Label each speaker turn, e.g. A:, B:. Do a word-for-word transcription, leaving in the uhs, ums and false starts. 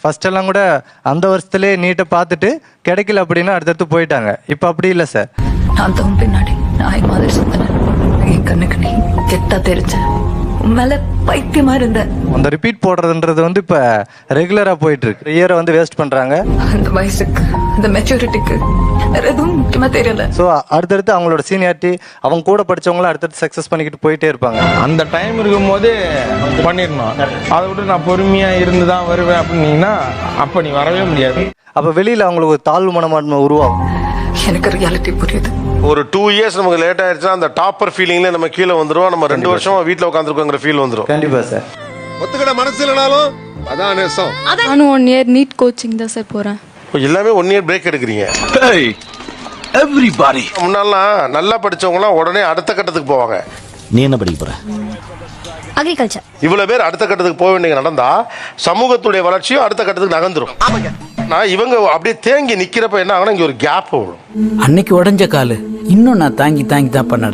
A: First எல்லாம் கூட அந்த வருஷத்துலேயே நீட்டை பார்த்துட்டு கிடைக்கல அப்படின்னா அடுத்தடுத்து போயிட்டாங்க. இப்போ அப்படி இல்லை சார்.
B: நான் தம் பின்னாடி நாய் மாதிரி சுத்தினேன். என் கண்ணுக்கு நீ கெட்டா தெரிஞ்ச மேல பைத்தியமா இருந்த.
A: அந்த ரிப்பீட் போடுறதுன்றது வந்து இப்போ ரெகுலராக போயிட்டு இருக்கு. இயரை வந்து வேஸ்ட் பண்ணுறாங்க.
B: அந்த வயசுக்கு அந்த மெச்சூரிட்டிக்கு வேற எதுவும் முக்கியமா தெரியல.
A: ஸோ அடுத்தடுத்து அவங்களோட சீனியாரிட்டி அவங்க கூட படிச்சவங்களும் அடுத்தடுத்து சக்ஸஸ் பண்ணிக்கிட்டு போயிட்டே இருப்பாங்க.
C: அந்த டைம் இருக்கும் போதே பண்ணிடணும். அதை விட்டு நான் பொறுமையா இருந்து தான் வருவேன் அப்படின்னீங்கன்னா அப்ப நீ வரவே முடியாது.
A: அப்போ வெளியில் அவங்களுக்கு ஒரு தாழ்வு மனமான்மை உருவாகும்.
B: எனக்கு ரியாலிட்டி புரியுது.
D: ஒரு டூ இயர்ஸ் நமக்கு லேட் ஆயிடுச்சுன்னா அந்த டாப்பர் ஃபீலிங்ல நம்ம கீழே வந்துருவோம். நம்ம ரெண்டு வருஷமா வீட்டில் உட்காந்துருக்கோங்கிற ஃபீல் வந்துடும்.
A: கண்டிப்பா சார்.
E: ஒத்துக்கிட மனசு இல்லைனாலும் அதான் நேசம்.
F: நானும் ஒன் இயர் நீட் கோச்சிங் தான் சார் போறேன்.
D: எல்லாமே ஒன் இயர் பிரேக் எடுக்கிறீங்க.
G: எவ்ரிபாடி
D: முன்னாலாம் நல்லா படிச்சவங்கலாம் உடனே அடுத்த கட்டத்துக்கு போவாங்க.
G: நீ என்ன படிக்க போற?
F: அக்ரிகல்ச்சர்.
D: இவ்வளவு பேர் அடுத்த கட்டத்துக்கு போக வேண்டிய நடந்தா சமூகத்துடைய வளர்ச்சியும் அடுத்த கட்டத்துக்கு நகர்ந்துரும். நான் இவங்க அப்படியே தேங்கி நிக்கிறப்ப என்ன ஆகுனா இங்க ஒரு கேப் வரும்.
H: அன்னைக்கு உடஞ்ச காலு இன்னும் நான் தாங்கி தாங்கி தான் பண்ண